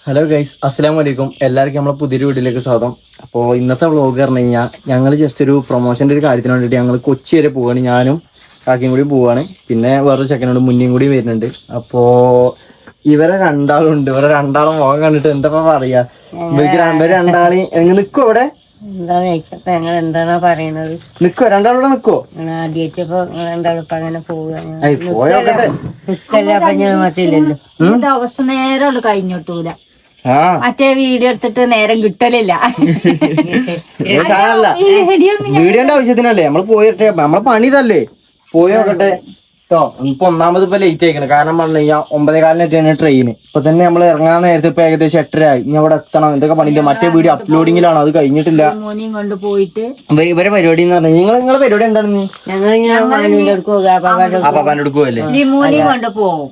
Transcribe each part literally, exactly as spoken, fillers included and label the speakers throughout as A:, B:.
A: Hello guys, അസ്സലാമു അലൈക്കും. എല്ലാവർക്കും നമ്മളെ പുതിയൊരു വീട്ടിലേക്ക് സ്വാഗതം. അപ്പോൾ ഇന്നത്തെ വ്ളോഗ് പറഞ്ഞു കഴിഞ്ഞാൽ ഞങ്ങൾ ജസ്റ്റ് ഒരു പ്രൊമോഷൻ്റെ ഒരു കാര്യത്തിന് വേണ്ടിയിട്ട് ഞങ്ങൾ കൊച്ചി വരെ പോവുകയാണ്. ഞാനും കാക്കയും കൂടി പോവുകയാണ്. പിന്നെ വേറൊരു ചെക്കനോട് മുന്നേയും കൂടി വരുന്നുണ്ട്. അപ്പോൾ ഇവരെ രണ്ടാളും ഉണ്ട്. ഇവരെ രണ്ടാളും മുഖം കണ്ടിട്ട് എന്താ പറയാ, ഇവർക്ക് രണ്ടോ രണ്ടാളി എങ്ങനെ നിൽക്കും ഇവിടെ
B: എന്താന്ന് ചോദിച്ചപ്പോ ഞങ്ങൾ എന്താണോ പറയുന്നത്,
A: നിക്കോ രണ്ടാളൂടെ നിക്കോ
B: ആദ്യമായിട്ടിപ്പോ രണ്ടാളിപ്പോ അങ്ങനെ പോവുക
C: ദിവസം നേരം കഴിഞ്ഞിട്ടൂല. മറ്റേ വീഡിയോ എടുത്തിട്ട് നേരം കിട്ടലില്ല.
A: വീഡിയോന്റെ ആവശ്യത്തിനല്ലേ നമ്മള് പോയിട്ടെ, നമ്മളെ പണി ഇതല്ലേ, പോയി നോക്കട്ടെ കേട്ടോ. ഇപ്പൊ ഒന്നാമത് ഇപ്പൊ ലേറ്റ് ആയിക്കണം. കാരണം പറഞ്ഞു കഴിഞ്ഞാൽ ഒമ്പതേ കാലിനെറ്റാണ് ട്രെയിൻ. ഇപ്പൊ തന്നെ നമ്മൾ ഇറങ്ങാൻ നേരത്തെ ഇപ്പൊ ഏകദേശം എട്ടര ആയി. ഇനി അവിടെ എത്തണം. എന്തൊക്കെ പണിയില്ല. മറ്റേ വീഡിയോ അപ്ലോഡിങ്ങിലാണ്, അത് കഴിഞ്ഞിട്ടില്ല.
C: കൊണ്ട് പോയിട്ട്
A: ഇവരെ പരിപാടി എന്ന് പറഞ്ഞാൽ നിങ്ങൾ നിങ്ങളെ പരിപാടി എന്താണെന്ന് പാപ്പാന്റെ എടുക്കുവല്ലേ,
C: ലിമൂനി കൊണ്ട് പോകും.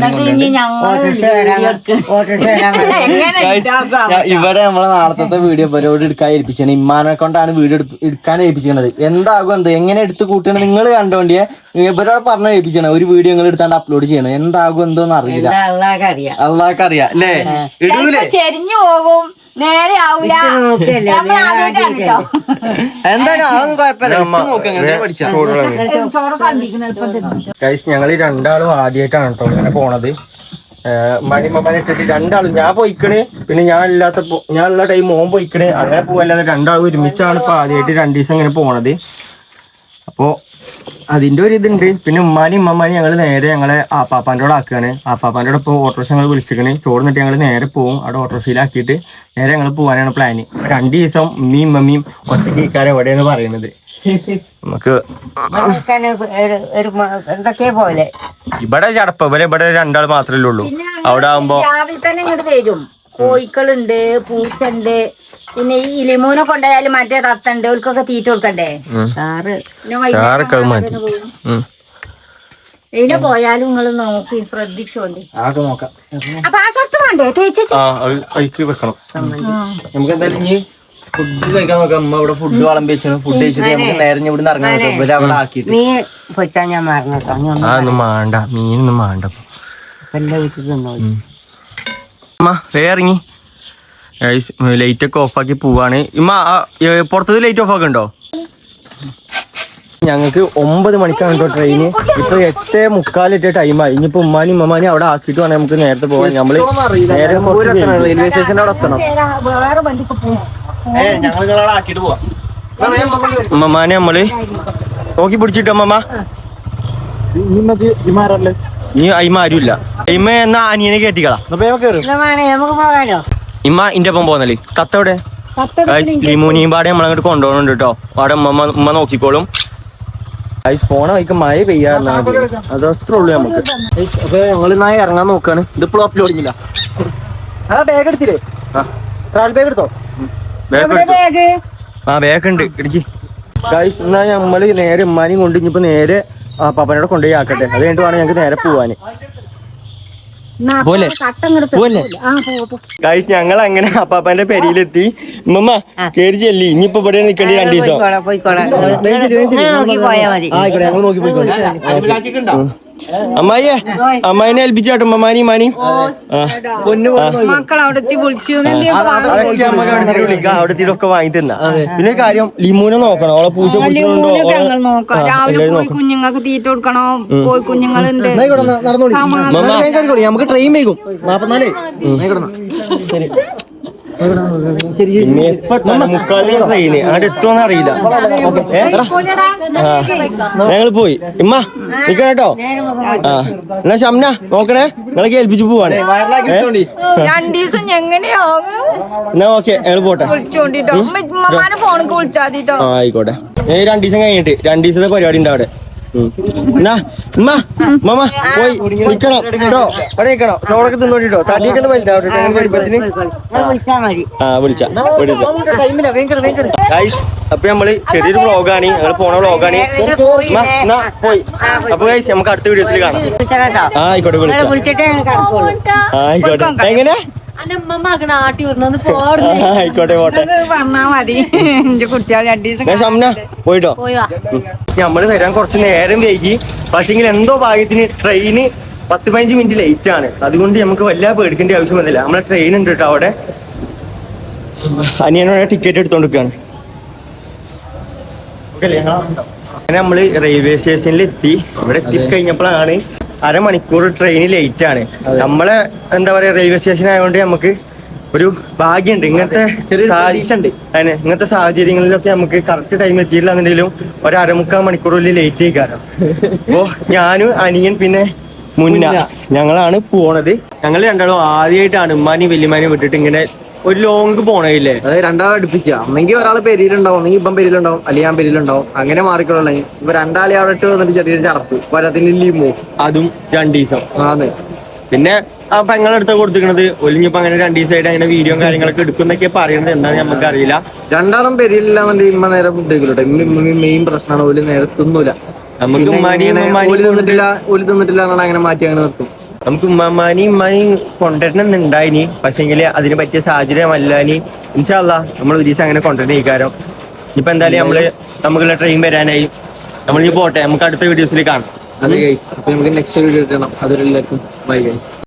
A: ഇവിടെ നമ്മളെ നാളത്തെ വീഡിയോ പരിപാടി എടുക്കാൻ ഏൽപ്പിച്ചാണ്. ഇമ്മാനെ കൊണ്ടാണ് വീഡിയോ എടുക്കാൻ ഏൽപ്പിച്ചത്. എന്താകും എന്ത് എങ്ങനെ എടുത്ത് കൂട്ടണം നിങ്ങൾ കണ്ടോണ്ടിയെ ഇവരോട് പറഞ്ഞ ഏൽപ്പിച്ചാണ്. ഒരു വീഡിയോ നിങ്ങൾ എടുത്താണ്ട് അപ്ലോഡ് ചെയ്യണം. എന്താകും എന്തോന്ന് അറിയില്ല, അള്ളാഹ്ക്ക് അറിയാം അല്ലേ. ഇടൂലേ,
C: ചെരിഞ്ഞു പോകും, നേരെ ആവൂല.
A: എന്തായാലും അതൊന്നും കുഴപ്പമില്ല. പഠിച്ച ഞങ്ങൾ രണ്ടാളും ആദ്യമായിട്ടാണ് കേട്ടോ ഇങ്ങനെ പോണത്. മണിമമ്മനെ ഇട്ടിട്ട് രണ്ടാളും, ഞാൻ പോയിക്കണ്, പിന്നെ ഞാൻ ഇല്ലാത്ത ഞാൻ ഉള്ള ടൈം മോൻ പോയിക്കണ്. അങ്ങനെ പോവല്ലാതെ രണ്ടാളും ഒരുമിച്ചാണ് ഇപ്പൊ ആദ്യമായിട്ട് രണ്ടു ദിവസം ഇങ്ങനെ പോണത്. അപ്പോ അതിന്റെ ഒരു ഇതുണ്ട്. പിന്നെ ഉമ്മാനും ഉമ്മമാനും ഞങ്ങൾ നേരെ ഞങ്ങളെ ആപ്പാപ്പാൻ്റെ കൂടെ ആക്കുകയാണ്. ആപ്പാപ്പാൻ്റെ കൂടെ ഇപ്പോൾ ഓട്ടോറിക്ഷ ഞങ്ങൾ വിളിച്ചിരിക്കണ്. ചോറ് നിന്നിട്ട് ഞങ്ങൾ നേരെ പോകും. അവിടെ ഓട്ടോറിക്ഷയിലാക്കിയിട്ട് നേരെ ഞങ്ങൾ പോകാനാണ് പ്ലാന്. രണ്ട് ദിവസം ഉമ്മയും ഉമ്മയും ഒറ്റയ്ക്ക് ഇക്കാരം എവിടെയാണ് പറയുന്നത്. നമുക്ക്
B: എന്തൊക്കെ പോലെ
A: ഇവിടെ ചടപ്പ ഇവിടെ ഇവിടെ രണ്ടാൾ മാത്രമല്ലേ ഉള്ളൂ. അവിടെ ആവുമ്പോ
C: രാവിലെ തന്നെ ഇങ്ങോട്ട് വരും. കോഴിക്കളുണ്ട്, പൂച്ചുണ്ട്, പിന്നെ ഈ ഇലിമൂനെ കൊണ്ടായാലും മറ്റേ തത്തണ്ട്, ഓൽക്കൊക്കെ തീറ്റ കൊടുക്കണ്ടേ. ഇതിനെ പോയാലും നിങ്ങൾ നോക്കി ശ്രദ്ധിച്ചോണ്ട്. അപ്പൊ ആ ഷർട്ട് വേണ്ടേ തേച്ച്
A: വെക്കണം. നമുക്ക് എന്തായാലും ഇനി ഫുഡ് കഴിക്കാൻ നോക്കാം. അമ്മ ഇവിടെ ഫുഡ് വിളമ്പി വെച്ചാണ്. ഫുഡ് കഴിച്ചിട്ട് നമുക്ക് നേരെ ഇവിടെ ഇറങ്ങാൻ നോക്കാം. ഇവരെ അവിടെ ആക്കിയിട്ട്
B: മീൻ പൊച്ചാൻ ഞാൻ മറന്നിട്ടോ.
A: അതൊന്നും വേണ്ട, മീനൊന്നും വേണ്ട. അമ്മ വേ ഇറങ്ങി ലൈറ്റ് ഒക്കെ ഓഫാക്കി പോവാണ്. ഇമ്മ പുറത്തത് ലൈറ്റ് ഓഫ് ആക്കണ്ടോ? ഞങ്ങൾക്ക് ഒമ്പത് മണിക്കാണ് കേട്ടോ ട്രെയിന്. ഇപ്പൊ എട്ടേ മുക്കാലിട്ട് ടൈമായി. ഇനിയിപ്പോ ഉമ്മാനും ഉമ്മമാനും അവിടെ ആക്കിയിട്ട് വേണം നമുക്ക് നേരത്തെ പോകാൻ. നമ്മള് നേരെ റെയിൽവേ സ്റ്റേഷൻ്റെ അവിടെ എത്തണം. ഉമ്മമാനെ നമ്മള് നോക്കി പിടിച്ചിട്ടോ. അമ്മമ്മ നീ അയിമ ആരുമില്ല. അയിമ എന്നാ അനിയനെ കേട്ടിക്കളാ. ഇമ്മ ഇന്റെ ഒപ്പം പോന്നല്ലേ. തത്തവിടെ ലിമൂനിയും പാടെ നമ്മളങ്ങോട്ട് കൊണ്ടുപോകുന്നുണ്ട് കേട്ടോ. അവിടെ ഉമ്മ ഉമ്മ നോക്കിക്കോളും. പോണ വൈക്ക് മഴ പെയ്യാറുണ്ട്. അത് അത്രേ ഉള്ളൂ നമുക്ക്. അപ്പൊ ഞങ്ങൾ നായ ഇറങ്ങാൻ നോക്കാണ്. ഇതിപ്പോഴും അപ്ലോഡ് ചെയ്യില്ല. ആ ബാഗ് എടുത്തില്ലേ? ട്രാവൽ ബാഗ് എടുത്തോ? ആ ബാഗ് ഉണ്ട്, ഇടിക്ക്. ഗൈസ് എന്നാ നമ്മള് നേരെ ഉമ്മാനെയും കൊണ്ട് ഇനിയിപ്പോ നേരെ ആ പാപ്പനോടെ കൊണ്ടുപോയി ആക്കട്ടെ. അത് കഴിഞ്ഞിട്ട് വേണം ഞങ്ങൾക്ക് നേരെ പോവാന്. ഗൈസ് ഞങ്ങൾ അങ്ങനെ അപ്പാപ്പന്റെ പെരിയിലെത്തി. ഉമ്മ കേറി ചെല്ലി. ഇനിയിപ്പോ ഇവിടെ നിൽക്കേണ്ടി രണ്ടു ദിവസം. ആയിക്കോട്ടെ, ഞങ്ങൾ നോക്കി പോയിക്കോട്ടെ. അമ്മായിയെ അമ്മായിനെ ഏൽപ്പിച്ചാട്ടോ. അമ്മാനി മാനി അവിടത്തിലൊക്കെ വാങ്ങി തന്ന. പിന്നെ കാര്യം ലിമൂനെ നോക്കണം. അവളെ പൂച്ച
C: കുഞ്ഞുങ്ങൾക്ക് തീറ്റ കൊടുക്കണോ? പോയി കുഞ്ഞുങ്ങളുണ്ട്.
A: നമുക്ക് ട്രെയിൻ വൈകും. നാപ്പത്തിനാലേ ശരി. മുക്കാലിന് ട്രെയിന് അങ്ങോട്ട് എത്തുമെന്ന് അറിയില്ല. ഞങ്ങൾ പോയി. ഇമ്മ നിക്കണ കേട്ടോ. ആ എന്നാ ഷംന നോക്കണേ. നിങ്ങളെ ഏൽപ്പിച്ചു പോവാണ്. എന്നാ ഓക്കെ ഞങ്ങൾ പോട്ടെ. ആയിക്കോട്ടെ. ഏ രണ്ടു ദിവസം കഴിഞ്ഞിട്ട് രണ്ടു ദിവസത്തെ പരിപാടി ഉണ്ട് അവിടെ. എന്നാ ഉമ്മ ഉമ്മ പോയി നിക്കണം കേട്ടോ. അവിടെ നിക്കണം. ചോറൊക്കെ തിന്നോട്ടോ. തടിയൊക്കെ വലുതാവട്ടെ വരുമ്പത്തിന്. ആ വിളിച്ച. അപ്പൊ നമ്മള് ചെറിയൊരു വ്ളോഗാണ്. ഞങ്ങൾ പോണ വ്ളോഗാണ്. പോയി. അപ്പൊ ഗൈസ് നമുക്ക് അടുത്ത വീഡിയോസിൽ കാണാം. ആ ആയിക്കോട്ടെ വിളിച്ച. ആയിക്കോട്ടെ. എങ്ങനെ ആയിക്കോട്ടെ പോട്ടെ. പോയിട്ടോ. നമ്മള് വരാൻ കുറച്ച് നേരം വൈകി. പക്ഷെങ്കിൽ എന്തോ ഭാഗ്യത്തിന് ട്രെയിന് പത്ത് പതിനഞ്ച് മിനിറ്റ് ലേറ്റ് ആണ്. അതുകൊണ്ട് നമുക്ക് വല്ല പേടിക്കേണ്ട ആവശ്യം വന്നില്ല. നമ്മളെ ട്രെയിൻ ഉണ്ട് കേട്ടോ അവിടെ. അനിയനോടെ ടിക്കറ്റ് എടുത്തോണ്ടിരിക്കുകയാണ്. അങ്ങനെ നമ്മള് റെയിൽവേ സ്റ്റേഷനിൽ എത്തി. ഇവിടെ എത്തി കഴിഞ്ഞപ്പോഴാണ് അരമണിക്കൂർ ട്രെയിൻ ലേറ്റ് ആണ്. നമ്മളെ എന്താ പറയാ റെയിൽവേ സ്റ്റേഷൻ ആയതുകൊണ്ട് നമുക്ക് ഒരു ഭാഗ്യമുണ്ട്. ഇങ്ങനത്തെ സാഹചര്യം അതിന് ഇങ്ങനത്തെ സാഹചര്യങ്ങളിലൊക്കെ നമുക്ക് കറക്റ്റ് ടൈം എത്തിയില്ലാന്നുണ്ടെങ്കിലും ഒരു അരമുക്കാൽ മണിക്കൂറിൽ ലേറ്റ് ആയിക്കാരം. അപ്പോ ഞാനും അനിയൻ പിന്നെ മുന്ന ഞങ്ങളാണ് പോണത്. ഞങ്ങൾ രണ്ടാളും ആദ്യമായിട്ടാണ് ഉമ്മാനി വല്യമാനി വിട്ടിട്ട് ഇങ്ങനെ ഒരു ലോങ് പോണേയില്ലേ.
D: അതായത് രണ്ടാളെ അടുപ്പിച്ച ഒന്നെങ്കിൽ ഒരാളെ പെരിയിലുണ്ടാവും, അല്ലെങ്കിൽ ഇപ്പം പെരിയിലുണ്ടാവും, അല്ലെങ്കിൽ ഞാൻ പെരിയിലുണ്ടാവും. അങ്ങനെ മാറിക്കൊള്ളേ. ഇപ്പൊ രണ്ടാളെ അവിടെ ഇട്ട് വന്നിട്ട് ചെറിയൊരു ചടപ്പ് വരത്തിന് ലീമോ
A: അതും രണ്ടു ദിവസം.
D: ആണ്
A: പിന്നെ ആ പെങ്ങളടുത്ത കൊടുത്തിരിക്കണത് ഒലിഞ്ഞിപ്പോ അങ്ങനെ രണ്ടു ദിവസമായിട്ട് അങ്ങനെ വീഡിയോ കാര്യങ്ങളൊക്കെ എടുക്കുന്നൊക്കെ പറയുന്നത് എന്താണെന്ന് നമുക്ക് അറിയില്ല.
D: രണ്ടാളും പെരിയില്ലാന്നുണ്ടെങ്കിൽ ഇമ്മ നേരെ ഫുഡ് കഴിക്കില്ല. ഇമ്മ മെയിൻ പ്രശ്നമാണ്. ഓല് നേരെ തിന്നൂല.
A: നമുക്ക് ഉമ്മാനിയും
D: ഓല് തിന്നിട്ടില്ല ഓല് തിന്നിട്ടില്ല എന്നാണ് അങ്ങനെ മാറ്റി അങ്ങനെ നിർത്തും.
A: നമുക്ക് ഉമ്മാമാനെയും ഉമ്മാനെയും കൊണ്ടുവരണമെന്നുണ്ടായിനി. പക്ഷെങ്കിൽ അതിന് പറ്റിയ സാഹചര്യമല്ലാനി. ഇൻഷാ അല്ലാഹ് നമ്മൾ ഒരു ദിവസം അങ്ങനെ കൊണ്ടുവരുന്ന ഈക്കാരം. ഇപ്പൊ എന്തായാലും നമ്മള് നമുക്കുള്ള ട്രെയിൻ വരാനായി. നമ്മൾ ഈ പോട്ടെ, നമുക്ക് അടുത്ത വീഡിയോസിൽ കാണാം.
D: അതെ ഗൈസ്. അപ്പൊ നമുക്ക് നെക്സ്റ്റ് വീഡിയോ കിട്ടണം. അതൊരു എല്ലാവർക്കും ബൈ ഗൈസ്.